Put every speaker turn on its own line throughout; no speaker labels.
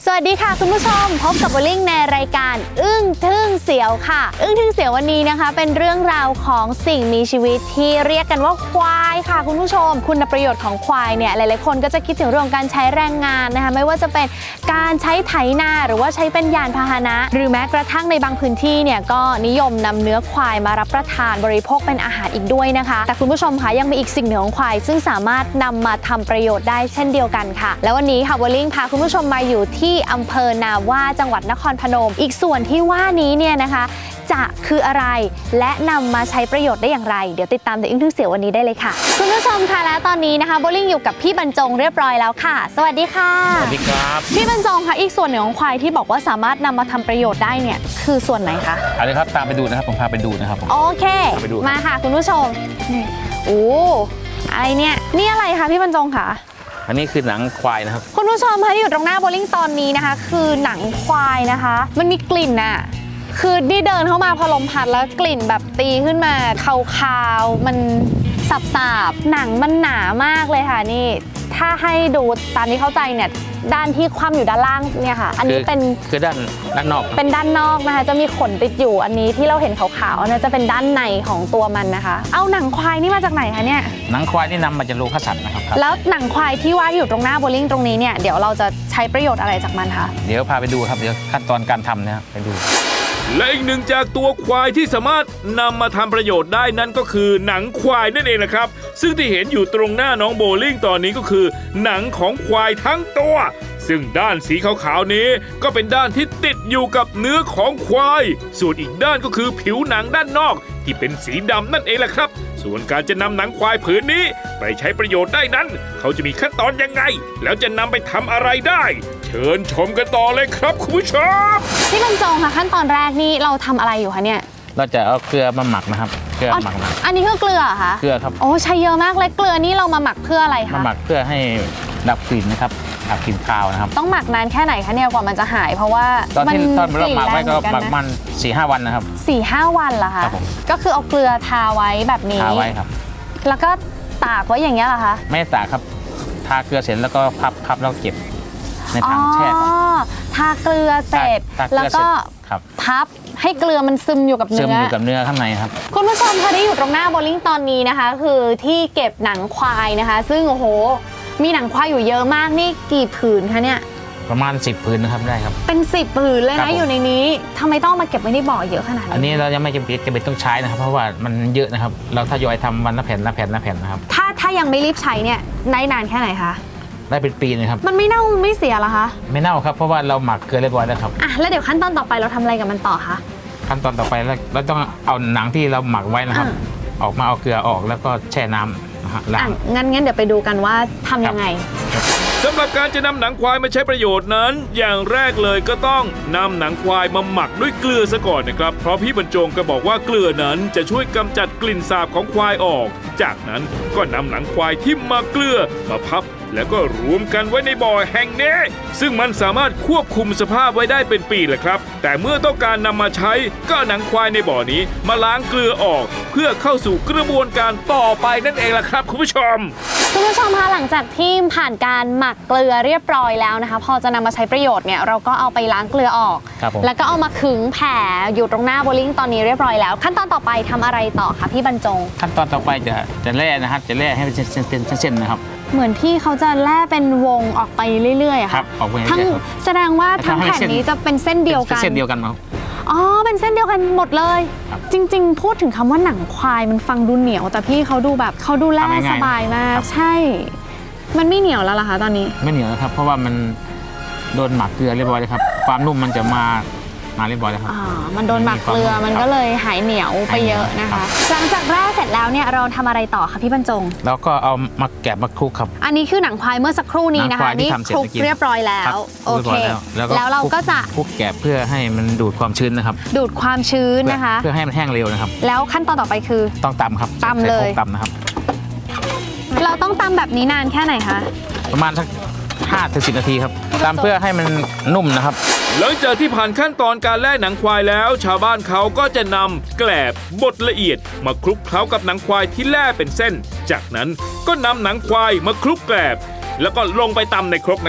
สวัสดีค่ะคุณผู้ชมพบกับโบลิ่งในรายการอึ้งทึ่งเสียวค่ะอึ้งทึ่งเสียววันนี้นะคะเป็นเรื่องราวของสิ่งมีชีวิตที่เรียกกันว่าควายค่ะคุณผู้ชมคุณประโยชน์ของควายเนี่ยหลายๆคนก็จะคิดถึงเรื่องการใช้แรงงานนะคะไม่ว่าจะเป็นการใช้ไถนาหรือว่าใช้เป็นยานพาหนะหรือแม้กระทั่งในบางพื้นที่เนี่ยก็นิยมนำเนื้อควายมารับประทานบริโภคเป็นอาหารอีกด้วยนะคะแต่คุณผู้ชมคะยังมีอีกสิ่งหนึ่งของควายซึ่งสามารถนำมาทำประโยชน์ได้เช่นเดียวกันค่ะแล้ววันนี้ค่ะโบลิ่งพาคุณผู้ชมมาอยู่ที่อำเภอนาว่าจังหวัดนครพนมอีกส่วนที่ว่านี้เนี่ยนะคะจะคืออะไรและนำมาใช้ประโยชน์ได้อย่างไรเดี๋ยวติดตามในอึ้งทึ่งเสียววันนี้ได้เลยค่ะคุณผู้ชมค่ะและตอนนี้นะคะโบลิ่งอยู่กับพี่บรรจงเรียบร้อยแล้วค่ะสวัสดีค่ะ
สวัสดีครับ
พี่บรรจงค่ะอีกส่วนหนึ่งของควายที่บอกว่าสามารถนำมาทำประโยชน์ได้เนี่ยคือส่วนไหนคะ
เอาเลยครับตามไปดูนะครับผมพาไปดูนะครับ
โอเคมาค่ะคุณผู้ชมนี่โอ้อะไรเนี่ยนี่อะไรคะพี่บรรจงค่ะ
อันนี้คือหนังควายนะครับ
คุณผู้ชมคะที่อยู่ตรงหน้าโบลิ่งตอนนี้นะคะคือหนังควายนะคะมันมีกลิ่นน่ะคือนี่เดินเข้ามาพอลมพัดแล้วกลิ่นแบบตีขึ้นมาคาวๆมันสับๆหนังมันหนามากเลยค่ะนี่ถ้าให้ดูตามที่เข้าใจเนี่ยด้านที่คว่ำอยู่ด้านล่างเนี่ยค่ะอันนี้เป็น
คือด้านนอก
เป็นด้านนอกนะคะจะมีขนติดอยู่อันนี้ที่เราเห็นขาวๆนะจะเป็นด้านในของตัวมันนะคะเอาหนังควายนี่มาจากไหนคะเนี่ย
หนังควายนี่นำมาจากโลคัสสันนะครับ
แล้วหนังควายที่ว่าอยู่ตรงหน้าโบลิ่งตรงนี้เนี่ยเดี๋ยวเราจะใช้ประโยชน์อะไรจากมันคะ
เดี๋ยวพาไปดูครับเดี๋ยวขั้นตอนการทำนะครับไปดู
และอีกหนึ่งจากตัวควายที่สามารถนำมาทำประโยชน์ได้นั่นก็คือหนังควายนั่นเองนะครับซึ่งที่เห็นอยู่ตรงหน้าน้องโบลิ่งตอนนี้ก็คือหนังของควายทั้งตัวซึ่งด้านสีขาวๆนี้ก็เป็นด้านที่ติดอยู่กับเนื้อของควายส่วนอีกด้านก็คือผิวหนังด้านนอกที่เป็นสีดำนั่นเองแหละครับส่วนการจะนำหนังควายผืนนี้ไปใช้ประโยชน์ได้นั้นเขาจะมีขั้นตอนยังไงแล้วจะนำไปทำอะไรได้เชิญชมกันต่อเลยครับคุณผู้ชม
พี่บรรจงค่ะขั้นตอนแรกนี่เราทำอะไรอยู่คะเนี่ย
เราจะเอาเกลือมาหมักนะครับเกลือหมักนะ
อันนี้คือเกลือคะ
เกลือครับ
โอ้ใช้เยอะมากเลยเกลือนี่เรามาหมักเพื่ออะไรคะ
มาหมักเพื่อให้ดับกลิ่นนะครับดับกลิ่นคาวนะครับ
ต้องหมักนานแค่ไหนคะเนี่ยกว่ามันจะหายเพราะว่า
ตอนเราหมักไว้ก็หมักมัน 4-5 วันนะครับ
4-5 วันเหรอคะก็คือเอาเกลือทาไว้แบบนี้
ทาไว้ครับ
แล้วก็ตากไว้อย่างเงี้ยเหรอคะ
ไม่ตากครับทาเกลือเสร็จแล้วก็พับแล้วเก็บในถังแช่
ทาเกลือเสร็จแล้วก็พับให้เกลือมันซึมอยู่กับเนื้อ
ข้างในครับ
คุณผู้ชมคะที่อยู่ตรงหน้าโบลิ่งตอนนี้นะคะคือที่เก็บหนังควายนะคะซึ่งโอ้โหมีหนังควายอยู่เยอะมากนี่กี่ผืนคะเนี่ย
ประมาณ10 ผืนนะครับได้ครับ
เป็น10 ผืนเลยนะอยู่ในนี้ทำไมต้องมาเก็บไว้ในบ่อเยอะขนาดนี้
อันนี้เรายังไม่จำเป็นต้องใช้นะครับเพราะว่ามันเยอะนะครับเราทยอยทำวันละแผ่นนะครับ
ถ้ายังไม่รีบใช้เนี่ยได้นานแค่ไหนคะ
ได้เป็นปีเลยครับ
มันไม่เน่าไม่เสียเหรอคะ
ไม่เน่าครับเพราะว่าเราหมักเกลือเรียบร้อยแล้วครับ
แล้วเดี๋ยวขั้นตอนต่อไปเราทำอะไรกับมันต่อคะ
ขั้นตอนต่อไปเราต้องเอาหนังที่เราหมักไว้นะครับออกมาเอาเกลือออกแล้วก็แช่น้ำนะฮะ
งั้นเดี๋ยวไปดูกันว่าทำยังไง
สำหรับการจะนำหนังควายมาใช้ประโยชน์นั้นอย่างแรกเลยก็ต้องนำหนังควายมาหมักด้วยเกลือซะก่อนนะครับเพราะพี่บรรจงก็บอกว่าเกลือนั้นจะช่วยกำจัดกลิ่นสาบของควายออกจากนั้นก็นำหนังควายที่มาเกลือมาพับแล้วก็รวมกันไว้ในบ่อแห่งนี้ซึ่งมันสามารถควบคุมสภาพไว้ได้เป็นปีแหละครับแต่เมื่อต้องการนำมาใช้ก็หนังควายในบ่อนี้มาล้างเกลือออกเพื่อเข้าสู่กระบวนการต่อไปนั่นเองล่ะครับคุณผู้ชม
คะหลังจากที่ผ่านการหมักเกลือเรียบร้อยแล้วนะคะพอจะนำมาใช้ประโยชน์เนี่ยเราก็เอาไปล้างเกลือออกแล้วก็เอามาขึงแผ่อยู่ตรงหน้าโบลิ่งตอนนี้เรียบร้อยแล้วขั้นตอนต่อไปทำอะไรต่อคะพี่บรรจง
ขั้นตอนต่อไปจะแล่นะครับจะแล่ให้เป็นเส้นนะครับ
เหมือนที่เขาจะแล่เป็นวงออกไปเรื่อยๆ
ครับออกไป
ทั้งแสดงว่าทั้งแผ่นนี้จะเป็นเส้นเดียวกัน
ครับ
เป็นเส้นเดียวกันหมดเลยจริงๆพูดถึงคำว่าหนังควายมันฟังดูเหนียวแต่พี่เขาดูแบบเขาดูแล่สบายมากใช่มันไม่เหนียวแล้วล่ะคะตอนนี้
ไม่เหนียวแล้วครับเพราะว่ามันโดนหมักเกลือเรียบร้อยเลยครับความนุ่มมันจะมาเรียบร้อยแล้วครับ
มันโดนหมักเกลือมันก็เลยหายเหนียวไปเยอะนะคะหลังจากแล่เสร็จแล้วเนี่ยเราทำอะไรต่อคะพี่บรรจง
แล้วก็เอามาแกะมาคลุกครับ
อันนี้คือหนังควายเมื่อสักครู่นี้นะคะนี่คลุกเรียบร้อยแล้วโอเคแล้วเราก็จะ
คลุกแกะเพื่อให้มันดูดความชื้นนะครับ
ดูดความชื้นนะคะ
เพื่อให้มันแห้งเร็วนะครับ
แล้วขั้นตอนต่อไปคือ
ต้องตำครับ
ตำเลย
ตำนะครับ
เราต้องตำแบบนี้นานแค่ไหนคะ
ประมาณสัก5-10 นาทีครับตำเพื่อให้มันนุ่มนะครับ
หลังจากที่ผ่านขั้นตอนการแล่หนังควายแล้วชาวบ้านเขาก็จะนำแกลบบดละเอียดมาคลุกเคล้ากับหนังควายที่แล่เป็นเส้นจากนั้นก็นำหนังควายมาคลุกแกลบแล้วก็ลงไปตำในครกนะครับ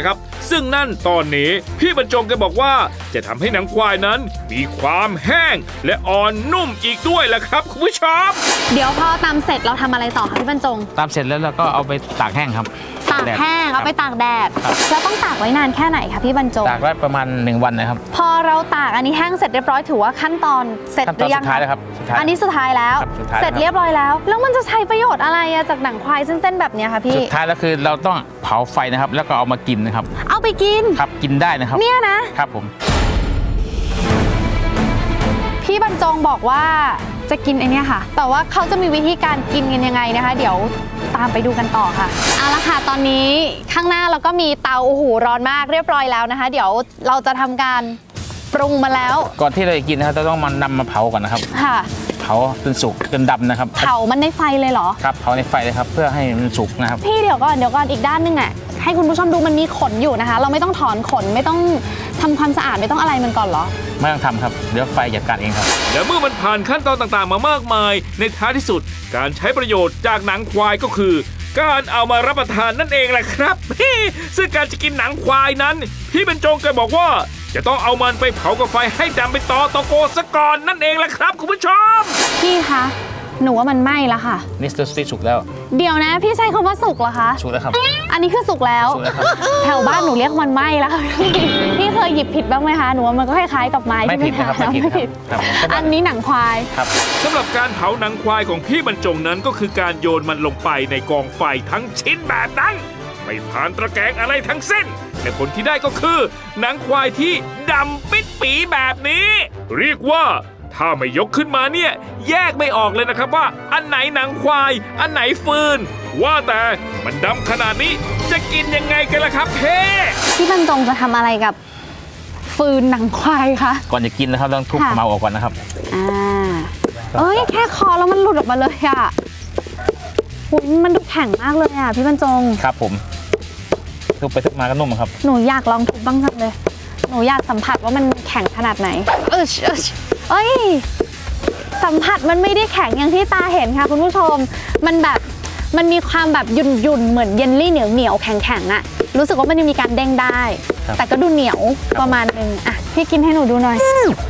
ซึ่งนั่นตอนนี้พี่บรรจงแกบอกว่าจะทำให้หนังควายนั้นมีความแห้งและอ่อนนุ่มอีกด้วยล่ะครับคุณผู้ชม
เดี๋ยวพอตำเสร็จเราทำอะไรต่อคะพี่บรรจง
ตามเสร็จแล้วเราก็เอาไปตากแห้งครับ
ตากแห้งเอาไปตากแดด
ครับ
แล้วต้องตากไว้นานแค่ไหนคะพี่บรรจง
ตากไว้ประมาณ1 วันนะครับ
พอเราตากอันนี้แห้งเสร็จเรียบร้อยถือว่าขั้นตอนเสร็จ
ขั้น
ห
ตอ
รื
น
อยั
สุ
ง
ดท้ายแล้วครับสุดท้าย
อันนี้สุดท้ายแล้ว
ครับสุดท้าย
เสร็จเรียบร้อยแล้ว แล้วมันจะใช้ประโยชน์อะไรอะจากหนังควายเส้นๆแบบเนี้ยคะพี่
สุดท้ายแล้วคือเราต้องเผาไฟนะครับแล้วก็เอามากินนะครับ
เอาไปกิน
ครับกินได้นะครับ
เนี่ยนะครับ
ผม
พี่บรรจงบอกว่าจะกินไอเนี้ยค่ะ แต่ว่าเขาจะมีวิธีการกินกันยังไงนะคะ เดี๋ยวตามไปดูกันต่อค่ะเอาละค่ะตอนนี้ข้างหน้าเราก็มีเตาโอ้โหร้อนมากเรียบร้อยแล้วนะคะ เดี๋ยวเราจะทำการปรุงมาแล้ว
ก่อนที่เราจะกินนะครับเราต้องนำมาเผาก่อนนะครับ
ค่ะ
เผาจนสุกจนดำนะครับ
เผามันในไฟเลยเหรอ
ครับเผาในไฟเลยครับเพื่อให้มันสุกนะครับ
พี่เดี๋ยวก่อนอีกด้านนึงอ่ะให้คุณผู้ชมดูมันมีขนอยู่นะคะ เราไม่ต้องถอนขนไม่ต้องทำความสะอาดไม่ต้องอะไรมันก่อนเหรอ
ไม่ต้องทำครับเดี๋ยวไฟจัดการเองครับ
และเมื่อมันผ่านขั้นตอนต่างๆมามากมาย ในท้ายที่สุดการใช้ประโยชน์จากหนังควายก็คือ การเอามารับประทานนั่นเองแหละครับ ซึ่งการจะกินหนังควายนั้น พี่บรรจงแกบอกว่า จะต้องเอามันไปเผากับไฟให้ดำเป็นตอโกซะก่อนนั่นเองแหละครับคุณผู้ชม
พี่คะหนูว่ามันไหม้แล้วค่ะ
นี่สติสุกแล้ว
เดี๋ยวนะพี่ใช้คำว่าสุกเหรอคะ
สุกแล้วครับ
อันนี้คือสุกแล้ว
สุกแล้วครับ
แถวบ้านหนูเรียกมันไหม้แล้วค่ะพี่เคยหยิบผิดบ้างไหมคะหนูว่ามันก็คล้ายๆกับไม้
ไม่
ใช่ไหม
ผิดนะครับ
คะ
ไม่ผิดครับครับ
อันนี้หนังควาย
ครับ
สำหรับการเผาหนังควายของพี่บรรจงนั้นก็คือการโยนมันลงไปในกองไฟทั้งชิ้นแบบนั้น ไม่ผ่านตะแกรงอะไรทั้งสิ้นแต่ผลที่ได้ก็คือหนังควายที่ดำปิดปีแบบนี้ เรียกว่าถ้าไม่ยกขึ้นมาเนี่ยแยกไม่ออกเลยนะครับว่าอันไหนหนังควายอันไหนฟืน ว่าแต่มันดำขนาดนี้จะกินยังไงกันล่ะครับเพ่
พี่บรรจงจะทำอะไรกับฟืนหนังควายคะ
ก่อนจะกินนะครับต้องทุบ
ค่ะ
ขมเมาออกก่อนนะครับ
อ่าเอ้ยแค่คอแล้วมันหลุดออกมาเลยอะอุ๊ยมันดูแข็งมากเลยอะพี่บรรจง
ครับผมทุบไปทุบมาก็นุ่มครับ
หนูอยากลองทุบบ้างจังเลย หนูอยากสัมผัสว่ามันแข็งขนาดไหนเอ้ยสัมผัสมันไม่ได้แข็งอย่างที่ตาเห็นค่ะคุณผู้ชม มันแบบมันมีความแบบหยุ่นๆเหมือนเยลลี่เหนียวๆแข็งๆอะรู้สึกว่ามันยังมีการเด้งได้
ครับ
แต่ก็ดูเหนียวประมาณนึงอะพี่กินให้หนูดูหน่อย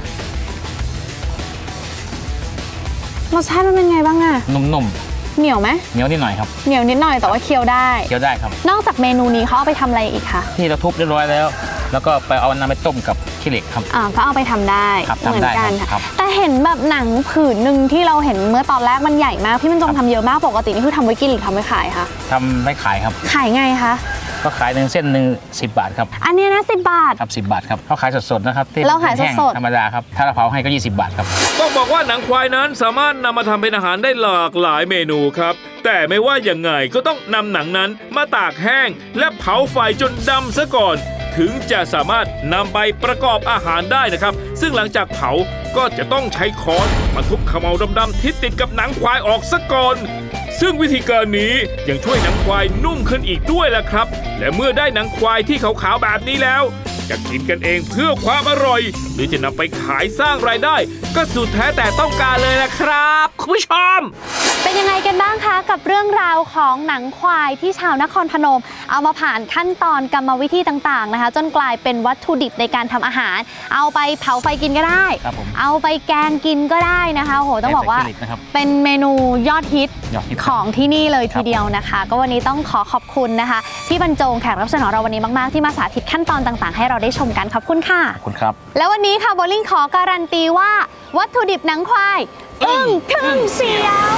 รสชาติมันเป็นไงบ้างอะ
นุ่ม
เหนียวไหม
ๆเหนียวนิดหน่อยครับ
เหนียวนิดหน่อยแต่ว่าเคี้ยวได้
เคี้ยวได้ครับ
นอกจากเมนูนี้เขาเอาไปทำอะไรอีกคะ
ที่เราทุบเรียบร้อยแล้ว แล้วก็ไปเอาน้ำไปต้มกับขี้เหล็กครับ
ก็เอาไปทำได้
ครับ
เหมือนกัน
ทำได้ครั
ค่ะ
บ
แต่เห็นแบบหนังผืนหนึ่งที่เราเห็นเมื่อตอนแรกมันใหญ่มากพี่บรรจงทำเยอะมากปกตินี่คือทำไว้กินหรือทำไว้ขายคะ
ทำไม่ขายครับ
ขายไงคะ
ก็ขาย1 เส้นหนึ่ง10 บาทครับ
อันเนี้ยนะ10 บาท
ครับ10 บาทครับเขาขายสดๆนะครับที่
เราขาย
แห้ง
สดๆ
ธรรมดาครับถ้าเราเผาให้ก็20 บาทครับ
ต้องบอกว่าหนังควายนั้นสามารถนำมาทำเป็นอาหารได้หลากหลายเมนูครับ แต่ไม่ว่าอย่างไงก็ต้องนำหนังนั้นมาตากแห้ง และเผาไฟจนดำซะก่อน ถึงจะสามารถนำไปประกอบอาหารได้นะครับ ซึ่งหลังจากเผาก็จะต้องใช้ค้อนมาทุบเขม่าดำๆที่ติดกับหนังควายออกซะก่อน ซึ่งวิธีการนี้ยังช่วยหนังควายนุ่มขึ้นอีกด้วยล่ะครับ และเมื่อได้หนังควายที่ขาวๆแบบนี้แล้ว จะกินกันเองเพื่อความอร่อย หรือจะนำไปขายสร้างรายได้ ก็สุดแท้แต่ต้องการเลยนะครับคุณผู้ชม
เป็นยังไงกันบ้างคะกับเรื่องราวของหนังควายที่ชาวนครพนม เอามาผ่านขั้นตอนกรรมวิธีต่างๆนะคะ จนกลายเป็นวัตถุดิบในการทำอาหาร เอาไปเผาไฟกินก็ได้
ครับผม
เอาไปแกงกินก็ได้นะคะโอ้โหต้องบอกว่า
ใส่ขี้เหล็กนะครับ
เป็นเมนูยอดฮิต
ยอดฮิต
ของที่นี่เลยทีเดียวนะคะ ก็วันนี้ต้องขอขอบคุณนะคะพี่บรรจงแขกรับเชิญของเราวันนี้มากๆที่มาสาธิตขั้นตอนต่างๆ ให้เราได้ชมกันขอบคุณค่ะ
ขอบคุณครับ
แล้ววันนี้ค่ะโบลิ่งขอการันตีว่าวัตถุดิบหนังควายอึ้งทึ่งเสียว